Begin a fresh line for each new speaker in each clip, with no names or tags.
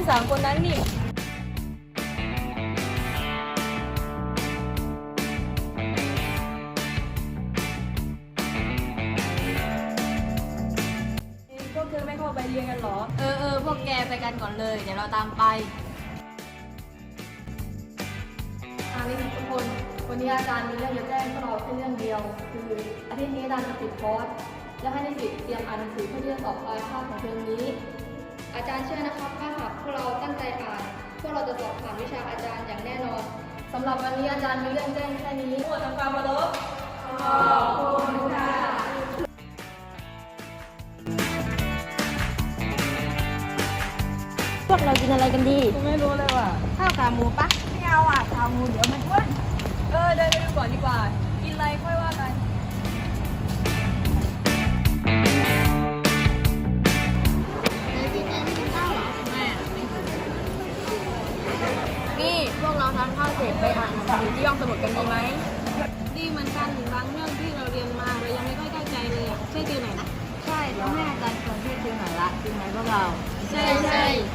3 คนนั้นนี่พวกเธอไม่เข้าไปเรียนกันหรอ
พวกแกไปกันก่อนเลยเดี๋ยวเราตามไป
นี่ทุกคนวันนี้อาจารย์มีเรื่องจะแจ้งพวกเราแค่เรื่องเดียวคืออาทิตย์นี้อาจารย์จะปิดคอร์สและให้นิสิตเตรียมอ่านหนังสือเพื่อที่จะสอบปลายภาคของเทอมนี้อาจารย์เชื่อนะครับถ้าหากพวกเราตั้งใจอ่านพวกเราจะสอบผ่านวิชาอาจารย์อย่างแน่นอนสำหรับวันนี้อาจารย์มีเรื่องแจ้งแค่นี้ขอทำความเคารพขอบคุณค่ะ
พวกเรากินอะไรกันดี
ไม่รู้เลยว่ะ
ข้าวขาหมูปะไม่เอาอ่ะขาหมูเดี๋ยวมันอ้วน
เดินไปดูก่อนดีกว่ากินอะไรค่อยว่ากัน
นี่พวกเราทานข้าวเสร็จไปอ่านหนังสือที่ห้องสมุดกันดีไหม
ดีเหมือนกันถึงบางเรื่องที่เราเรียนมาเรายังไม่ค่อยเข้าใจเลยอ่ะช่วยติวหน่อยนะ
ใช่ต้องให้อาจารย์ชวนช่วยติวหน่อยละจริงไหมพวกเรา
ใช่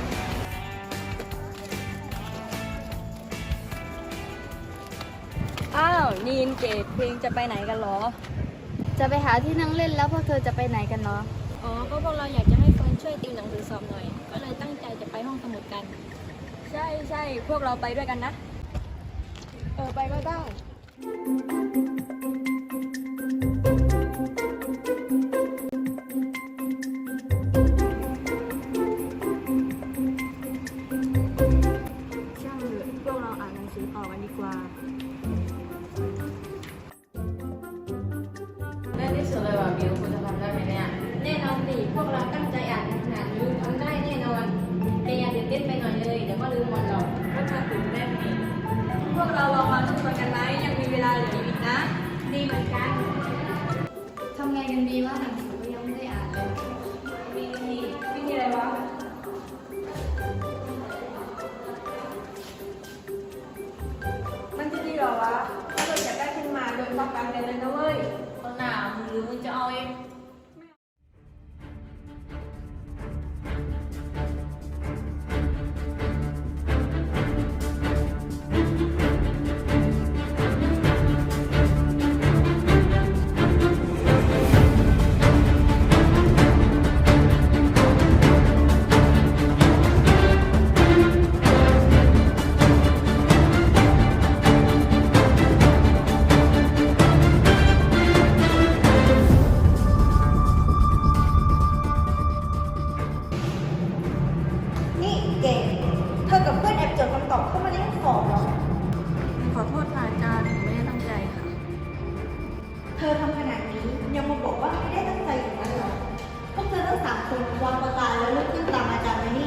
อ้าวนีนเกดเพลงจะไปไหนกันหรอ
จะไปหาที่นั่งเล่นแล้วพวกเธอจะไปไหนกันเนาะ
อ๋อก็พวกเราอยากจะให้เฟิร์นช่วยติวหนังสือสอบหน่อยก็เลยตั้งใจจะไปห้องสมุดกัน
ใช่พวกเราไปด้วยกันนะไปก็ได้ช่างเถอะพวกเราอ่านหนังสือต่อกันดีกว่า
ได้ที่สุดเลยว่ะบิวคุณจะทำได้ไหมเนี่ยแน่นอนสิพวกเราตั้งใจอ่านขนาดนี้ทำได้แน่นอนแต่อย่าตื่นเต้นไปหน่อยเลยเดี๋ยวก็ลืมหมดหรอก
ก็จะตื่นเต้นอีกพวกเราลองมาทบทวนกันไหมยังมีเวลาเหลืออีกนะ
ดีเหมือนกันทำไงกันดีว่าหนังสือก็ยังไม่ได้อ่านเลย
วิธีอะไรวะมันจะดีเหรอวะถ้าเราอยากได้ขึ้นมาโดยต้องการเรียนเลยนะเว้ย
คนหนาหรือมึงจะเอาเอง
นี่เก่งเธอกับเพื่อนแอบจดคำตอบเข้ามาในห้องสอบเหรอ
ขอโทษค่ะอาจารย์ผมไม่ได้ตั้งใจค่ะ
เธอทำขนาดนี้ยังมาบอกว่าไม่ได้ตั้งใจอย่างนั้นเหรอ พวกเธอทั้ง3 คนวางประกาแล้วลุกขึ้นตามอาจารย์มานี่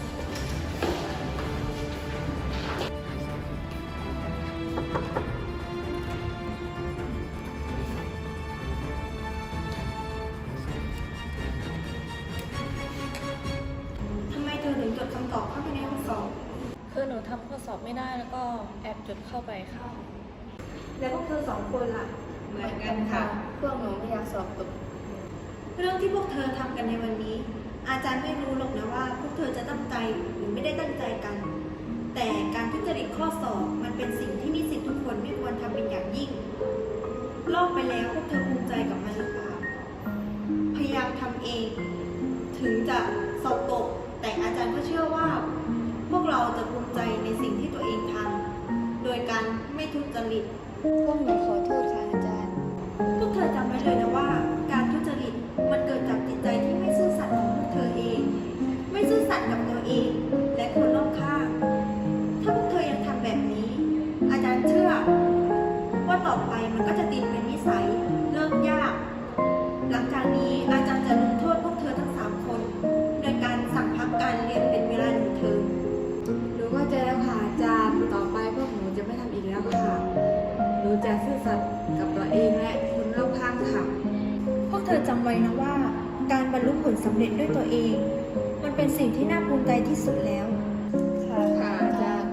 ทำไมเธอถึงจดคำตอบเข้าไปในห้องสอบ
คือหนูทำข้อสอบไม่ได้แล้วก็แอบจดเข้าไปค่ะ
แล้วพวกเธอ2 คนล่ะ
เหมือนกันค่ะพวกหนูไม่อยากสอบตก
เรื่องที่พวกเธอทำกันในวันนี้ อาจารย์ไม่รู้หรอกนะว่า พวกเธอจะตั้งใจหรือไม่ได้ตั้งใจกัน แต่การทุจริตข้อสอบมันเป็นสิ่งที่นิสิตทุกคนไม่ควรทำเป็นอย่างยิ่งลอกไปแล้วพวกเธอภูมิใจกับมันหรือเปล่าพยายามทำเอง ถึงจะสอบตก แต่อาจารย์ก็เชื่อว่า พวกเราจะภูมิใจในสิ่งที่ตัวเองทำโดยการไม่ทุจริต
พวกหนูขอโทษค่ะอาจารย์
พวกเธอจำไว้เลยนะว่า การทุจริตมันเกิดจากจิตใจที่ไม่ซื่อสัตย์ของพวกเธอเอง ไม่ซื่อสัตย์กับตัวเอง และคนรอบข้าง ถ้าพวกเธอยังทำแบบนี้ อาจารย์เชื่อ ว่าต่อไปมันก็จะติดเป็นนิสัยเลิกยาก หลังจากนี้อาจารย์จะลงโทษพวกเธอทั้ง3 คนโดยการสั่งพักการเรียนเป็นเวลา1 เทอม
หนูเข้าใจแล้วค่ะอาจารย์ต่อไปพวกหนูจะไม่ทำอีกแล้วค่ะหนูจะซื่อสัตย์กับตัวเองและคนรอบข้างค่ะ
พวกเธอจำไว้นะว่า การบรรลุผลสำเร็จด้วยตัวเอง มันเป็นสิ่งที่น่าภูมิใจที่สุดแล้ว
ค่ะอาจารย์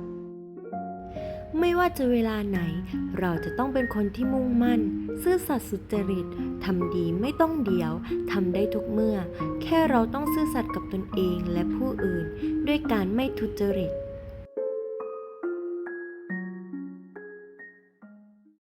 ไม่ว่าจะเวลาไหน เราจะต้องเป็นคนที่มุ่งมั่น ซื่อสัตย์สุจริตทำดีไม่ต้องเดี๋ยวทำได้ทุกเมื่อ แค่เราต้องซื่อสัตย์กับตนเองและผู้อื่นด้วยการไม่ทุจริต